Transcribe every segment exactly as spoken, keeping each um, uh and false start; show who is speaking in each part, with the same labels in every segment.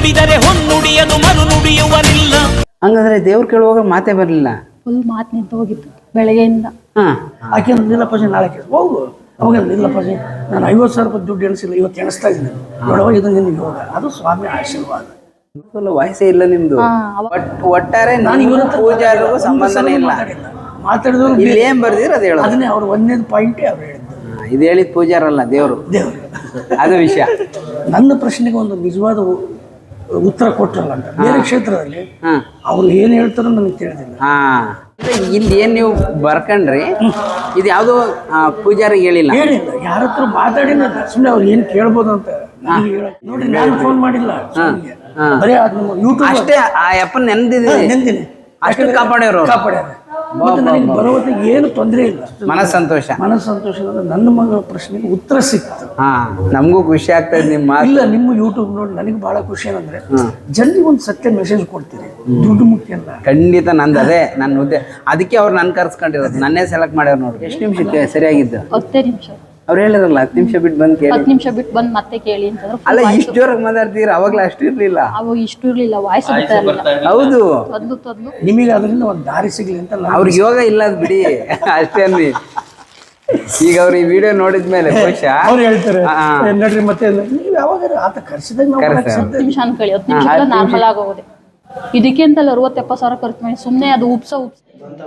Speaker 1: ನುಡಿದರೆ ಹೊನ್ನುಡಿಯದು ಮನು ನುಡಿಯುವನಿಲ್ಲ.
Speaker 2: ಹಂಗಂದ್ರೆ ದೇವ್ರು ಕೇಳುವಾಗ ಮಾತೇ ಬರಲಿಲ್ಲ.
Speaker 3: ಫುಲ್ ಮಾತು ನಿಂತು ಹೋಗಿತ್ತು ಬೆಳಗ್ಗೆಯಿಂದ.
Speaker 2: ಹಾ
Speaker 4: ಆಕೆ ನಿಲ್ಲಪ್ಪಾಜಿ ನಾಳೆ ಕೇಳಿ ಹೋಗು. ಅವಾಗ ನಿಲ್ಲಪ್ಪಾಜಿ ನಾನು ಐವತ್ತು ಸಾವಿರ ರೂಪಾಯಿ ದುಡ್ಡು ಎಣಿಸಿಲ್ಲ, ಇವತ್ತು ಎಣಿಸ್ತಾ ಇದ್ದೀನಿ ನೋಡುವ, ಇದು ನಿನ್ನ ಯೋಗ, ಅದು ಸ್ವಾಮಿ ಆಶೀರ್ವಾದ.
Speaker 2: ವಯಸ್ಸೇ ಇಲ್ಲ ನಿಮ್ದು. ಒಟ್ಟಾರೆ
Speaker 4: ನಾನು ಇವರ
Speaker 2: ಪೂಜಾರಿಗೂ ಸಂಬಂಧನೇ ಇಲ್ಲ.
Speaker 4: ಮಾತಾಡಿದವರು
Speaker 2: ಇಲ್ಲಿ ಏನ್ ಬರ್ದಿರ ಅದು ಹೇಳೋದು.
Speaker 4: ಅದನ್ನೇ ಅವ್ರು ಒಂದನೇದು ಪಾಯಿಂಟೇ ಅವ್ರು ಹೇಳಿದ್ದು.
Speaker 2: ಇದು ಹೇಳಿದ ಪೂಜಾರಲ್ಲ, ದೇವರು
Speaker 4: ದೇವರು.
Speaker 2: ಅದು ವಿಷಯ.
Speaker 4: ನನ್ನ ಪ್ರಶ್ನೆಗೆ ಒಂದು ನಿಜವಾದ ಉತ್ತರ ಕೊಟ್ಟರಲ್ಲ ಅಂತ ಬೇರೆ ಕ್ಷೇತ್ರದಲ್ಲಿ ಅವ್ರು ಏನು ಹೇಳ್ತಾರೋ ನನಗೆ ತಿಳಿದಿಲ್ಲ.
Speaker 2: ಹಾ ಇಲ್ಲಿ ಏನ್ ನೀವು ಬರ್ಕಂಡ್ರಿ, ಇದು ಯಾವ್ದೋ ಪೂಜಾರಿಗೆ ಹೇಳಿಲ್ಲ
Speaker 4: ಹೇಳಿಲ್ಲ ಯಾರ ಹತ್ರ ಮಾತಾಡಿಲ್ಲ. ಸುಮ್ಮನೆ ಅವ್ರು ಏನು ಕೇಳ್ಬೋದು ಅಂತ ನೋಡಿ, ನಾನು ಫೋನ್ ಮಾಡಿಲ್ಲ. ಬರೀ ಅದು ನಮ್ಮ ಯೂಟ್ಯೂಬ್
Speaker 2: ಅಷ್ಟೇ. ಆ ಅಪ್ಪನ ನೆನ್ದಿದ್ದೀನಿ,
Speaker 4: ನೆನ್ದಿನಿ
Speaker 2: ಅಷ್ಟು ಕಾಪಾಡ್ಯಾರ
Speaker 4: ಕಾಪಾಡ್ಯಾರ. ಮತ್ತೆ ನನಗೆ ಬರೋ ಹೊತ್ತಿಗೆ ಏನು ತೊಂದರೆ ಇಲ್ಲ,
Speaker 2: ಮನಸ್ ಸಂತೋಷ.
Speaker 4: ಮನಸ್ಸು ಸಂತೋಷದಿಂದ ನನ್ನ ಮಗಳ ಪ್ರಶ್ನೆಗೆ ಉತ್ತರ ಸಿಕ್ತು.
Speaker 2: ಹಾ ನಮಗೂ ಖುಷಿ ಆಗ್ತಾ ಇದೆ ನಿಮ್ಮ ಮಾತು.
Speaker 4: ಇಲ್ಲ, ನಿಮ್ಮ ಯೂಟ್ಯೂಬ್ ನೋಡಿ ನನಗೆ ಬಹಳ ಖುಷಿ ಏನಂದ್ರೆ ಜನರಿಗೆ ಒಂದು ಸತ್ಯ ಮೆಸೇಜ್ ಕೊಡ್ತೀರಿ. ದುಡ್ಡು ಮುಖ್ಯ ಅಲ್ಲ.
Speaker 2: ಖಂಡಿತ ನಂದು ಅದೇ ನನ್ನ ಹುದ್ದೆ. ಅದಕ್ಕೆ ಅವ್ರು ನನ್ ಕರ್ಸ್ಕೊಂಡಿರೋದು, ನನ್ನೇ ಸೆಲೆಕ್ಟ್ ಮಾಡ್ಯಾರ ನೋಡಿ. ಎಷ್ಟು ನಿಮಿಷಕ್ಕೆ ಸರಿಯಾಗಿದ್ದು?
Speaker 3: ಹತ್ತೇ ನಿಮಿಷ.
Speaker 2: ಅವ್ರು ಹೇಳಿರಲ್ಲ ಹತ್ತು ನಿಮಿಷ ಬಿಟ್ಟು ಬಂದು ಕೇಳಿ.
Speaker 3: ಹತ್ತು ನಿಮಿಷ ಬಿಟ್ಟು ಬಂದು ಮತ್ತೆ ಕೇಳಿ ಅಂತಂದ್ರೆ
Speaker 2: ಅಲ್ಲ, ಇಷ್ಟು ಜೋರಾಗಿ ಮಾತಾಡ್ತೀರ, ಅವಾಗ್ಲೂ ಅಷ್ಟು ಇರ್ಲಿಲ್ಲ.
Speaker 3: ಅವು ಇಷ್ಟು ಇರ್ಲಿಲ್ಲ, ವಾಯ್ಸ್ ಬರ್ತಾ ಇರಲಿಲ್ಲ.
Speaker 2: ಹೌದು,
Speaker 3: ತೊದ್ಲು ತೊದ್ಲು.
Speaker 4: ನಿಮಗೆ ಅದರಿಂದ ಒಂದು ದಾರಿ ಸಿಗ್ಲಿ ಅಂತ ನಾನು-
Speaker 2: ಅವ್ರಿಗೆ ಯೋಗ ಇಲ್ಲ ಅದು ಬಿಡಿ, ಅಷ್ಟೇ ಅನ್ನಿ. ಈಗ ಅವ್ರು ಈ ವಿಡಿಯೋ ನೋಡಿದ್ಮೇಲೆ ಖುಷಿ
Speaker 4: ಅವ್ರು ಹೇಳ್ತಾರೆ ನಡ್ರಿ ಮತ್ತೆ ನೀವು ಯಾವಾಗ ಆತ ಕರ್ಸಿದಾಗ ನಾವು
Speaker 2: ಕರ್ಸ.
Speaker 3: ಹತ್ತು ನಿಮಿಷ ಅನ್ಕೊಳ್ಳಿ, ಹತ್ತು ನಿಮಿಷ ನಾರ್ಮಲ್ ಆಗೋದೆ. ಇದಕ್ಕೆ ಅಂತಲ್ಲ ಅರವತ್ತು ಎಪ್ಪತ್ತು ಸಾವಿರ ಖರ್ಚು ಮಾಡಿ ಸುಮ್ಮನೆ ಅದು ಉಪ್ಸ ಉಪ್ಸ.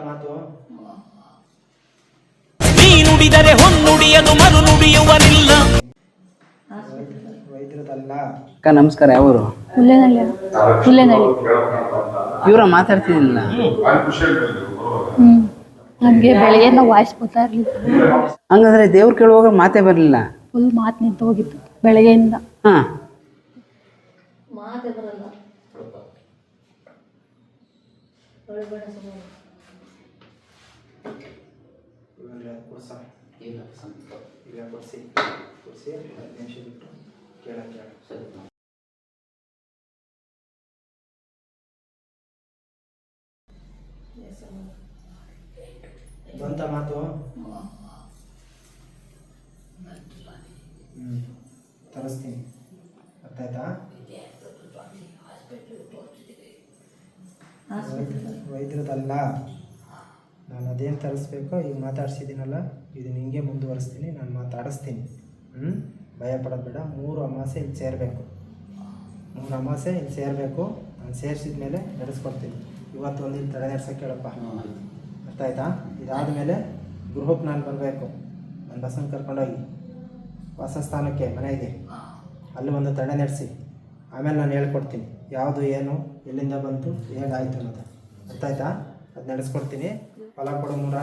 Speaker 1: ನೀ ನುಡಿದರೆ ಹೊನ್ನುಡಿಯದು ಮನು ನುಡಿಯುವನಿಲ್ಲ.
Speaker 2: ಅಕ್ಕ ನಮಸ್ಕಾರ. ಯಾವರು?
Speaker 3: ಹುಲ್ಲೇನಹಳ್ಳಿ. ಹುಲ್ಲೇನಹಳ್ಳಿ.
Speaker 2: ಇವ್ರ ಮಾತಾಡ್ತಿದ್ದಿಲ್ಲ.
Speaker 3: ಹ್ಮ್ ನಮ್ಗೆ ಬೆಳಗ್ಗೆಯಿಂದ ವಾಯ್ಸ್ ಬರ್ತಾ ಇರ್ಲಿಲ್ಲ.
Speaker 2: ಹಂಗಂದ್ರೆ ದೇವ್ರು ಕೇಳುವಾಗ ಮಾತೇ ಬರಲಿಲ್ಲ.
Speaker 3: ಫುಲ್ ಮಾತು ನಿಂತು ಹೋಗಿತ್ತು ಬೆಳಗ್ಗೆಯಿಂದ.
Speaker 2: ಹಾ
Speaker 5: ಬಂತ ಮಾತು. ಹ್ಞೂ ತರಿಸ್ತೀನಿ, ಗೊತ್ತಾಯ್ತಾ? ವೈದ್ಯರದಲ್ಲ, ನಾನು ಅದೇನು ತರಿಸ್ಬೇಕೋ ಈಗ ಮಾತಾಡ್ಸಿದ್ದೀನಲ್ಲ, ಇದು ನಿಂಗೆ ಮುಂದುವರಿಸ್ತೀನಿ, ನಾನು ಮಾತಾಡಿಸ್ತೀನಿ. ಹ್ಞೂ ಭಯ ಪಡೋದು ಬೇಡ. ಮೂರು ಅಮಾಸೆ ಇಲ್ಲಿ ಸೇರಬೇಕು, ಮೂರು ಅಮಾಸೆ ಇಲ್ಲಿ ಸೇರಬೇಕು. ನಾನು ಸೇರಿಸಿದ ಮೇಲೆ ನಡೆಸ್ಕೊಡ್ತೀನಿ. ಇವತ್ತು ಒಂದು ಇಲ್ಲಿ ತಡೆ ನಡೆಸೋಕೆ ಹೇಳಪ್ಪ, ಅರ್ಥ ಆಯ್ತಾ? ಇದಾದ ಮೇಲೆ ಗೃಹಕ್ಕೆ ನಾನು ಬರಬೇಕು, ನನ್ನ ಬಸ್ಸನ್ನು ಕರ್ಕೊಂಡೋಗಿ ವಾಸಸ್ಥಾನಕ್ಕೆ ಮನೆಗೆ ಅಲ್ಲಿ ಒಂದು ತಡೆ ನಡೆಸಿ ಆಮೇಲೆ ನಾನು ಹೇಳ್ಕೊಡ್ತೀನಿ ಯಾವುದು ಏನು ಎಲ್ಲಿಂದ ಬಂತು ಹೇಗಾಯಿತು ಅನ್ನೋದು. ಅರ್ಥ ಆಯ್ತಾ? ಅದು ನಡೆಸ್ಕೊಡ್ತೀನಿ. ಫಲ ಕೊಡು ಮೂರ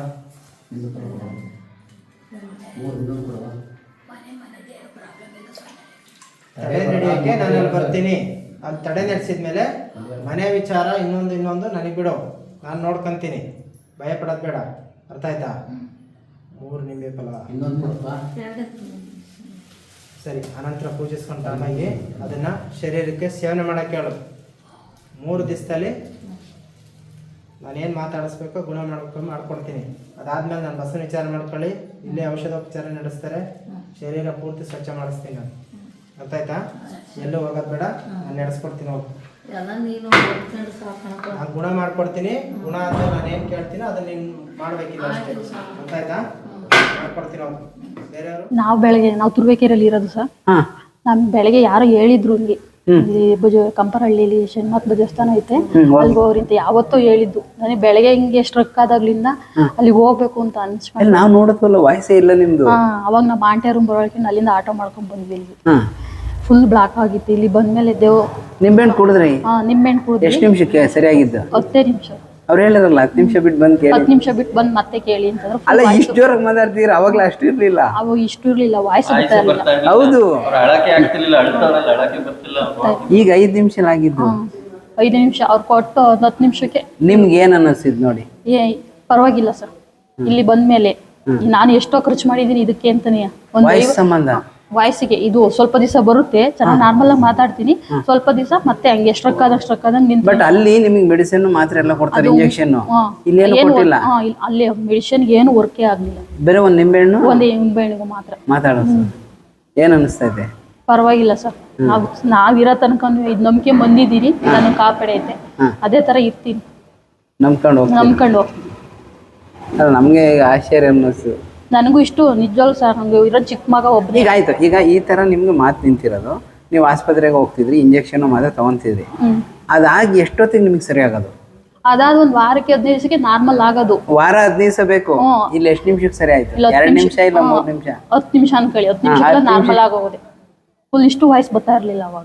Speaker 5: ತಡೆ ನಡೆಯೋಕ್ಕೆ ನಾನು ಅಲ್ಲಿ ಬರ್ತೀನಿ. ಅಲ್ಲಿ ತಡೆ ನಡೆಸಿದ ಮೇಲೆ ಮನೆ ವಿಚಾರ ಇನ್ನೊಂದು ಇನ್ನೊಂದು ನನಗೆ ಬಿಡು, ನಾನು ನೋಡ್ಕೊತೀನಿ. ಭಯ ಪಡೋದು ಬೇಡ, ಅರ್ಥ ಆಯ್ತಾ? ಮೂರು ನಿಂಬೆ ಫಲ ಸರಿ. ಅನಂತರ ಪೂಜಿಸ್ಕೊಂಡು ಆಮೇಲೆ ಅದನ್ನು ಶರೀರಕ್ಕೆ ಸೇವನೆ ಮಾಡೋಕ್ಕೆ ಹೇಳು. ಮೂರು ದಿವಸದಲ್ಲಿ ನಾನೇನು ಮಾತಾಡಿಸ್ಬೇಕೋ ಗುಣ ಮಾಡ್ಕೊಂಡು ಮಾಡ್ಕೊಡ್ತೀನಿ. ಅದಾದಮೇಲೆ ನಾನು ಬಸ್ಸನ್ನು ವಿಚಾರ ಮಾಡ್ಕೊಳ್ಳಿ, ಇಲ್ಲೇ ಔಷಧೋಪಚಾರ ನಡೆಸ್ತಾರೆ, ಶರೀರ ಪೂರ್ತಿ ಸ್ವಚ್ಛ ಮಾಡಿಸ್ತೀನಿ ನಾನು. ಅರ್ಥ ಆಯ್ತಾ? ಎಲ್ಲೂ ಹೋಗೋದು ಬೇಡ, ನಾನು ನಡೆಸ್ಕೊಡ್ತೀನಿ. ಹೋಗಿ ನಾನು ಗುಣ ಮಾಡ್ಕೊಡ್ತೀನಿ. ಗುಣ ಆದ್ಮೇಲೆ ನಾನು ಏನು ಕೇಳ್ತೀನಿ ಅದನ್ನ ನೀನು ಮಾಡಬೇಕಿಲ್ಲ ಅಷ್ಟೇ. ಅರ್ಥ ಆಯ್ತಾ? ಮಾಡ್ಕೊಡ್ತೀನಿ. ಹೋಗಿ ಬೇರೆಯವರು
Speaker 3: ನಾವು ಬೆಳಗ್ಗೆ ನಾವು ತುರುವೇಕೆರೆಯಲ್ಲಿ ಇರೋದು ಸರ್. ನಮ್ ಬೆಳಗ್ಗೆ ಯಾರೋ ಹೇಳಿದ್ರು ಇಲ್ಲಿ ಇಲ್ಲಿ ಭುಜ ಕಂಪರಹಳ್ಳಿಲಿ ಶನಿಮತ್ ದೇವಸ್ಥಾನ ಐತೆ, ಅಲ್ಲಿ ಹೋಗ್ರಿಂತ ಯಾವತ್ತೋ ಹೇಳಿದ್ದು. ನನಗೆ ಬೆಳಗ್ಗೆ ಹಿಂಗೆ ಸ್ಟ್ರಕ್ ಆದಾಗ್ಲಿಂದ ಅಲ್ಲಿ ಹೋಗ್ಬೇಕು ಅಂತ ಅನ್ಸ್ಕೊಂಡು
Speaker 2: ನಾವು ನೋಡತ್ವಲ್ಲ ವಾಯ್ಸೇ ಇಲ್ಲ ನಿಮ್ದು.
Speaker 3: ಹಾ ಅವಾಗ ನಮ್ಮ ಆಂಟಿ ರೂಮ್ ಬರೋಳಕ್ಕೆ ಅಲ್ಲಿಂದ ಆಟೋ ಮಾಡ್ಕೊಂಡ್ ಬಂದ್ವಿ. ಇಲ್ಲಿ ಫುಲ್ ಬ್ಲಾಕ್ ಆಗಿತ್ತು. ಇಲ್ಲಿ ಬಂದ್ಮೇಲೆ ದೇವ್
Speaker 2: ನಿಂಬೆಹಣ್ಣು ಕುಡಿದ್ರಿ?
Speaker 3: ಹಾ ನಿಂಬೆಹಣ್ಣು ಕುಡಿದ್ವಿ.
Speaker 2: ಎಷ್ಟು ನಿಮಿಷಕ್ಕೆ ಸರಿಯಾಗಿದ್ದು?
Speaker 3: ಹತ್ತೇ ನಿಮಿಷ.
Speaker 2: ಅವ್ರು ಹೇಳಿರಲ್ಲ ಹತ್ತು ನಿಮಿಷ ಬಿಟ್ಟು ಬಂದು ಕೇಳಿ.
Speaker 3: ಹತ್ತು ನಿಮಿಷ ಬಿಟ್ಟು ಬಂದು ಮತ್ತೆ ಕೇಳಿ ಅಂತಂದ್ರೆ
Speaker 2: ಅಲ್ಲ, ಇಷ್ಟು ಜೋರಾಗಿ ಮಾತಾಡ್ತೀರ, ಅವಾಗ್ಲೂ ಅಷ್ಟು ಇರ್ಲಿಲ್ಲ.
Speaker 3: ಅವು ಇಷ್ಟು ಇರ್ಲಿಲ್ಲ, ವಾಯ್ಸ್ ಬರ್ತಾ ಇರಲಿಲ್ಲ.
Speaker 2: ಹೌದು,
Speaker 3: ಆಗ್ತಿರ್ಲಿಲ್ಲ.
Speaker 2: ಈಗ ಐದು ನಿಮಿಷ ಆಗಿದ್ದು.
Speaker 3: ಐದು ನಿಮಿಷ ಅವ್ರು ಕೊಟ್ಟು ಒಂದು ಹತ್ತು ನಿಮಿಷಕ್ಕೆ
Speaker 2: ನಿಮ್ಗೆ ಏನ್ ಅನ್ನಿಸ್ತಿದ್ ನೋಡಿ?
Speaker 3: ಏ ಪರವಾಗಿಲ್ಲ ಸರ್. ಇಲ್ಲಿ ಬಂದ್ಮೇಲೆ ನಾನು ಎಷ್ಟೋ ಖರ್ಚು ಮಾಡಿದೀನಿ ಇದಕ್ಕೆ ಅಂತಾನೆ.
Speaker 2: ವಾಯ್ಸ್ ಸಂಬಂಧ
Speaker 3: ವಾಯ್ಸಿಗೆ ಇದು ಸ್ವಲ್ಪ ದಿವಸ ಬರುತ್ತೆ, ಚೆನ್ನಾಗಿ ನಾರ್ಮಲ್ ಆಗಿ ಮಾತಾಡ್ತೀನಿ. ಸ್ವಲ್ಪ ದಿವಸ ಮತ್ತೆ ಹಂಗೆ ಸ್ಟ್ರಕ್ ಆದಾಗ ಸ್ಟ್ರಕ್ ಆದಾಗ ನಿಂತು.
Speaker 2: ಬಟ್ ಅಲ್ಲಿ ನಿಮಗೆ ಮೆಡಿಸಿನ್ ಮಾತ್ರೆ ಎಲ್ಲ ಕೊಡ್ತಾರೆ, ಇಂಜೆಕ್ಷನ್. ಇಲ್ಲಿ ಏನು ಕೊಟ್ಟಿಲ್ಲ.
Speaker 3: ಅಲ್ಲಿ ಮೆಡಿಸಿನ್ ಏನು ವರ್ಕೇ ಆಗ್ಲಿಲ್ಲ.
Speaker 2: ಬೇರೆ ಒಂದ್ ನಿಂಬೆಹಣ್ಣು
Speaker 3: ಒಂದೇ ನಿಂಬೆಹಣ್ಣಿಗೂ ಮಾತ್ರ
Speaker 2: ಮಾತಾಡೋದು. ಏನ್ ಅನಿಸ್ತಾ ಇದೆ?
Speaker 3: ಪರವಾಗಿಲ್ಲ ಸರ್. ನಾವು ನಾವಿರೋ ತನಕ ಇದು ನಂಬಿಕೆ ಬಂದಿದ್ದೀರಿ, ನನಗೆ ಕಾಪಾಡೈತೆ, ಅದೇ ತರ ಇರ್ತೀನಿ,
Speaker 2: ನಂಬ್ಕೊಂಡು ಹೋಗ್ತೀನಿ.
Speaker 3: ನಂಬ್ಕೊಂಡು ಹೋಗ್ತೀನಿ.
Speaker 2: ಅಲ್ಲ ನಮಗೆ ಈಗ ಆಶ್ಚರ್ಯ ಅನ್ನಿಸ್ತು.
Speaker 3: ನನಗೂ ಇಷ್ಟು ನಿಜವಾಗ್ಲು ಸರ್, ನಂಗೆ ಇರೋ ಚಿಕ್ಕ ಮಗ ಒಬ್ಬನೇ.
Speaker 2: ಈಗ ಆಯ್ತು, ಈಗ ಈ ತರ ನಿಮ್ಗೆ ಮಾತು ನಿಂತಿರೋದು, ನೀವು ಆಸ್ಪತ್ರೆಗೆ ಹೋಗ್ತಿದ್ರಿ, ಇಂಜೆಕ್ಷನ್ ಮಾತ್ರ ತಗೊಂತಿದ್ರಿ, ಅದಾಗಿ ಎಷ್ಟೊತ್ತಿಗೆ ನಿಮ್ಗೆ ಸರಿ ಆಗೋದು?
Speaker 3: ಅದಾದ ಒಂದ್ ವಾರಕ್ಕೆ ಹದಿನೈದು ದಿವಸಕ್ಕೆ ನಾರ್ಮಲ್ ಆಗೋದು.
Speaker 2: ವಾರ ಹದಿನೈದು ದಿವಸ ಬೇಕು. ಇಲ್ಲಿ ಎಷ್ಟು ನಿಮಿಷಕ್ಕೆ ಸರಿ ಆಯ್ತು? ಎರಡು ನಿಮಿಷ ಇಲ್ಲ ಮೂರು ನಿಮಿಷ?
Speaker 3: ಹತ್ತು ನಿಮಿಷ ಅನ್ಕೊಳ್ಳಿ, ಹತ್ತು ನಿಮಿಷ ನಾರ್ಮಲ್ ಆಗೋದೆ. ಫುಲ್ ಇಷ್ಟು ವಾಯ್ಸ್ ಬರ್ತಾ ಇರ್ಲಿಲ್ಲ ಅವಾಗ.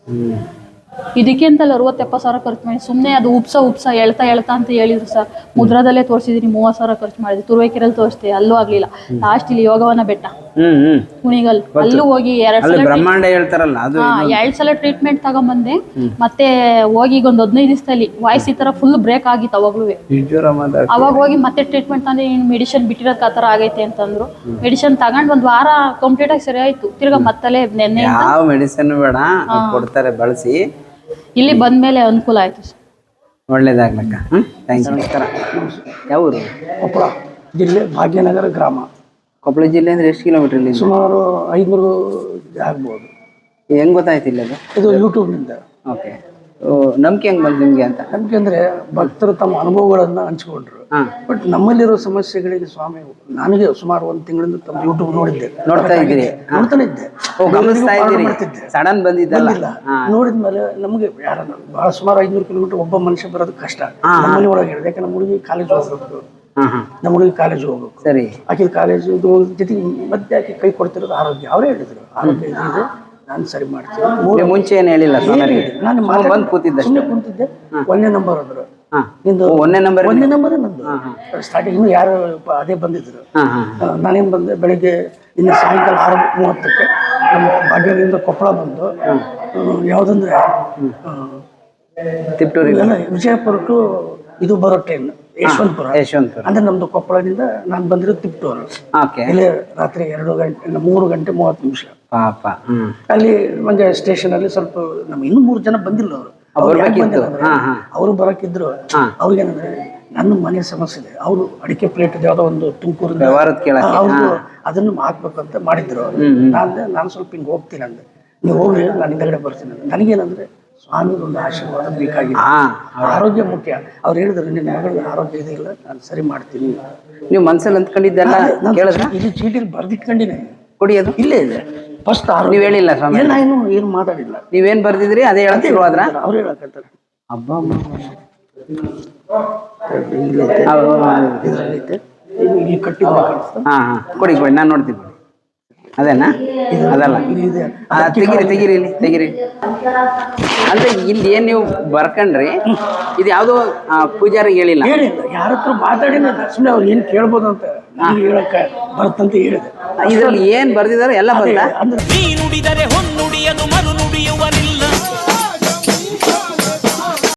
Speaker 3: ಇದಕ್ಕೆ ಅಂತಲ್ಲ ಅರವತ್ತು ಎಪ್ಪತ್ತು ಸಾವಿರ ಖರ್ಚು ಮಾಡಿ ಸುಮ್ಮನೆ ಅದು ಉಪ್ಸ ಉಪ್ಸ ಹೇಳ್ತಾ ಹೇಳ್ತಾ ಅಂತ ಹೇಳಿದ್ರು ಸರ್. ಮುದ್ರಾದಲ್ಲೇ ತೋರಿಸಿದೀನಿ, ಮೂವತ್ತು ಸಾವಿರ ಖರ್ಚು ಮಾಡಿದ್ವಿ. ತುರುವೇಕೆರೆಯಲ್ಲಿ ತೋರಿಸ್ದೆ, ಅಲ್ಲೂ ಆಗ್ಲಿಲ್ಲ. ಲಾಸ್ಟ್ ಇಲ್ಲಿ ಯೋಗವನ ಬೆಟ್ಟ ಕುಣಿಗಲ್, ಅಲ್ಲೂ ಹೋಗಿ ಎರಡ್ ಸಲ
Speaker 2: ಬ್ರಹ್ಮಾಂಡ ಹೇಳ್ತಾರಲ್ಲ ಅದು,
Speaker 3: ಎರಡ್ ಸಲ ಟ್ರೀಟ್ಮೆಂಟ್ ತಗೊಂಬಂದೆ. ಮತ್ತೆ ಹೋಗಿ ಈಗ ಒಂದು ಹದಿನೈದು ದಿವಸದಲ್ಲಿ ವಾಯ್ಸ್ ಈ ತರ ಫುಲ್ ಬ್ರೇಕ್ ಆಗಿತ್ತು ಅವಾಗ್ಲೂ. ಅವಾಗ ಹೋಗಿ ಮತ್ತೆ ಟ್ರೀಟ್ಮೆಂಟ್ ತಂದ್ರೆ ಮೆಡಿಸಿನ್ ಬಿಟ್ಟಿರೋದ್ ಆ ತರ ಆಗೈತೆ ಅಂತಂದ್ರು. ಮೆಡಿಸಿನ್ ತಗೊಂಡ್ ಒಂದ್ ವಾರ ಕಂಪ್ಲೀಟ್ ಆಗಿ ಸರಿ ಆಯ್ತು. ತಿರ್ಗಾ ಮತ್ತಲೇ ನೆನ್ನೆ
Speaker 2: ಯಾವ ಮೆಡಿಸಿನ್ ಬೇಡ ಕೊಡ್ತಾರೆ, ಬಳಸಿ.
Speaker 3: ಇಲ್ಲಿ ಬಂದ್ಮೇಲೆ ಅನುಕೂಲ ಆಯ್ತು ಸರ್.
Speaker 2: ಒಳ್ಳೇದಾಗ್ಲಕ್ಕ. ಹ್ಮ್ ಥ್ಯಾಂಕ್ಸ್. ನಮಸ್ಕಾರ. ಯಾವ ಊರು?
Speaker 4: ಕೊಪ್ಪಳ ಜಿಲ್ಲೆ ಭಾಗ್ಯನಗರ ಗ್ರಾಮ.
Speaker 2: ಕೊಪ್ಪಳ ಜಿಲ್ಲೆ ಅಂದ್ರೆ ಎಷ್ಟು ಕಿಲೋಮೀಟರ್ ಇಲ್ಲಿ?
Speaker 4: ಸುಮಾರು ಐದ್ನೂರು ಆಗ್ಬೋದು.
Speaker 2: ಹೆಂಗ್ ಗೊತ್ತಾಯ್ತು ಇಲ್ಲ ಅದು?
Speaker 4: ಇದು ಯೂಟ್ಯೂಬ್ನಿಂದ.
Speaker 2: ಓಕೆ. ನಂಬಿಕೆ ಹೆಂಗ್ ಬಂತು ನಿಮ್ಗೆ ಅಂತ?
Speaker 4: ನಂಬಿಕೆ ಅಂದ್ರೆ ಭಕ್ತರು ತಮ್ಮ ಅನುಭವಗಳನ್ನ ಹಂಚ್ಕೊಂಡ್ರು. ಬಟ್ ನಮ್ಮಲ್ಲಿರೋ ಸಮಸ್ಯೆಗಳಿಗೆ ಸ್ವಾಮಿ, ನನಗೆ ಸುಮಾರು ಒಂದ್ ತಿಂಗಳಿಂದ ತಮ್ಮ ಯೂಟ್ಯೂಬ್ ನೋಡಿದ್ದೆ,
Speaker 2: ನೋಡ್ತಾ ಇದ್ದೀರಿ?
Speaker 4: ನೋಡ್ತಾನೆ ಇದ್ದೆ,
Speaker 2: ಮಾಡ್ತಿದ್ದೆ. ಸಡನ್ ಬಂದಿದ್ದಲ್ಲ,
Speaker 4: ನೋಡಿದ್ಮೇಲೆ ನಮ್ಗೆ ಯಾರ ಬಹಳ ಸುಮಾರು ಐದ್ನೂರು ಕಿಲೋಮೀಟರ್ ಒಬ್ಬ ಮನುಷ್ಯ ಬರೋದು ಕಷ್ಟ. ನಮ್ಮಲ್ಲಿ ಒಳಗೆ ಹೇಳಿದೆ, ಯಾಕಂದ್ರೆ ನಮ್ಮ ಹುಡುಗಿ ಕಾಲೇಜ್ ಹೋಗ್ಬೇಕು, ನಮ್ಮ ಹುಡುಗಿ ಕಾಲೇಜ್ ಹೋಗ್ಬೇಕು. ಸರಿ, ಆಕೆ ಕಾಲೇಜು ಜೊತೆಗೆ ಮತ್ತೆ ಆಕೆ ಕೈ ಕೊಡ್ತಿರೋದು ಆರೋಗ್ಯ. ಅವರೇ ಹೇಳಿದ್ರು ಆರೋಗ್ಯ ಇದೆ, ನಾನು ಸರಿ ಮಾಡ್ತೀನಿ.
Speaker 2: ಮುಂಚೆ ಏನು ಹೇಳಿಲ್ಲ,
Speaker 4: ನಾನು ಬಂದು ಕೂತಿದ್ದೆ, ಸುಮ್ಮನೆ ಕೂತಿದ್ದೆ. ಒಂದೇ ನಂಬರ್ ಅಂದ್ರು, ನಿಂದು ಒಂದೇ ನಂಬರ್ ಒಂದೇ ನಂಬರ್ ನಂದು. ಸ್ಟಾರ್ಟಿಂಗ್ ಇನ್ನು ಯಾರು ಅದೇ ಬಂದಿದ್ರು. ನಾನೇನು ಬಂದೆ ಬೆಳಿಗ್ಗೆ ಇನ್ನು ಸಾಯಂಕಾಲ ಆರು ಮೂವತ್ತಕ್ಕೆ ನಮ್ಮ ಭಾಗ್ಯದಿಂದ ಕೊಪ್ಪಳ ಬಂದು, ಯಾವುದಂದ್ರೆ
Speaker 2: ತಿಪ್ಟೂರಿ
Speaker 4: ವಿಜಯಪುರಕ್ಕೂ ಇದು ಬರೋ ಟ್ರೈನ್ ಯಶವಂತಪುರ.
Speaker 2: ಯಶವಂತಪುರ
Speaker 4: ಅಂದ್ರೆ ನಮ್ದು ಕೊಪ್ಪಳದಿಂದ ನಾನು ಬಂದಿರೋದು ತಿಪ್ಟೂರು. ಇಲ್ಲಿ ರಾತ್ರಿ ಎರಡು ಗಂಟೆ ಮೂರು ಗಂಟೆ ಮೂವತ್ತು ನಿಮಿಷ.
Speaker 2: ಪಾಪ.
Speaker 4: ಅಲ್ಲಿ ಮಂಗೆ ಸ್ಟೇಷನ್ ಅಲ್ಲಿ ಸ್ವಲ್ಪ ನಮ್ಗೆ ಇನ್ನೂ ಮೂರು ಜನ ಬಂದಿಲ್ಲ. ಅವರು ಅವರು ಬರಕಿದ್ರು. ಅವ್ರಿಗೇನಂದ್ರೆ ನನ್ನ ಮನೆ ಸಮಸ್ಯೆ ಇದೆ, ಅವರು ಅಡಿಕೆ ಪ್ಲೇಟ್ ಯಾವ್ದೋ ಒಂದು ತುಮಕೂರಿಂದ ಅವ್ರು ಅದನ್ನು ಹಾಕ್ಬೇಕಂತ ಮಾಡಿದ್ರು. ನಾನು ನಾನು ಸ್ವಲ್ಪ ಹಿಂಗೆ ಹೋಗ್ತೀನಿ ಅಂದೆ, ನೀವು ಹೋಗ್ರಿ ನಾನು ಹಿಂದಗಡೆ ಬರ್ತೀನಿ ಅಂದೆ. ನನಗೇನಂದ್ರೆ ಸ್ವಾಮಿದು ಒಂದು ಆಶೀರ್ವಾದ ಬೇಕಾಗಿದೆ, ಆರೋಗ್ಯ ಮುಖ್ಯ. ಅವ್ರು ಹೇಳಿದ್ರು, ನಿನ್ನ ಮಗಳ ಆರೋಗ್ಯ ಇದೆ, ಇಲ್ಲ ನಾನು ಸರಿ ಮಾಡ್ತೀನಿ.
Speaker 2: ನೀವು ಮನ್ಸಲ್ಲಿ ಅಂದ್ಕೊಂಡಿದ್ದೆಲ್ಲ
Speaker 4: ಇಲ್ಲಿ ಚೀಟಿಲಿ ಬರ್ದಿಟ್ಕೊಂಡಿನಿ,
Speaker 2: ಕೊಡಿಯೋದು ಇಲ್ಲೇ ಇದೆ.
Speaker 4: ಫಸ್ಟ್
Speaker 2: ನೀವು ಹೇಳಿಲ್ಲ ಸ್ವಾಮಿ?
Speaker 4: ನಾನು ಏನು ಮಾತಾಡಿಲ್ಲ.
Speaker 2: ನೀವೇನ್ ಬರ್ದಿದ್ರಿ ಅದೇ ಹೇಳ್ತೀವಿ ಆದ್ರ
Speaker 4: ಅವ್ರು ಹೇಳಕತ್ತಾರೆ.
Speaker 2: ಹಬ್ಬ
Speaker 4: ಇಲ್ಲಿ ಕಟ್ಟಿದ್ರೆ
Speaker 2: ಹಾ ಹಾ ಕೊಡಿ ಕೊಡಿ, ನಾನು ನೋಡ್ತೀನಿ. ಅದೇನಾ? ಅದಲ್ಲ, ತೆಗಿರಿ ತೆಗಿರಿ ಇಲ್ಲಿ ತೆಗಿರಿ. ಅಂದ್ರೆ ಇಲ್ಲಿ ಏನ್ ನೀವು ಬರ್ಕಂಡ್ರಿ, ಇದು ಯಾವ್ದೋ ಪೂಜಾರಿಗೆ ಹೇಳಿಲ್ಲ?
Speaker 4: ಹೇಳಿಲ್ಲ, ಯಾರ ಹತ್ರ ಮಾತಾಡಿಲ್ಲ. ಸುಮ್ಮನೆ ಅವ್ರು ಏನ್ ಕೇಳ್ಬೋದು ಅಂತ ಹೇಳಕ್ಕ ಬರ್ತಂತ ಹೇಳಿದೆ.
Speaker 2: ಇದ್ರಲ್ಲಿ ಏನ್ ಬರ್ದಿದಾರೆ ಎಲ್ಲ ಬಂದ?
Speaker 1: ನೀ ನುಡಿದರೆ ಹೊನ್ನುಡಿಯದು ಮರು ನುಡಿಯುವನಿಲ್ಲ.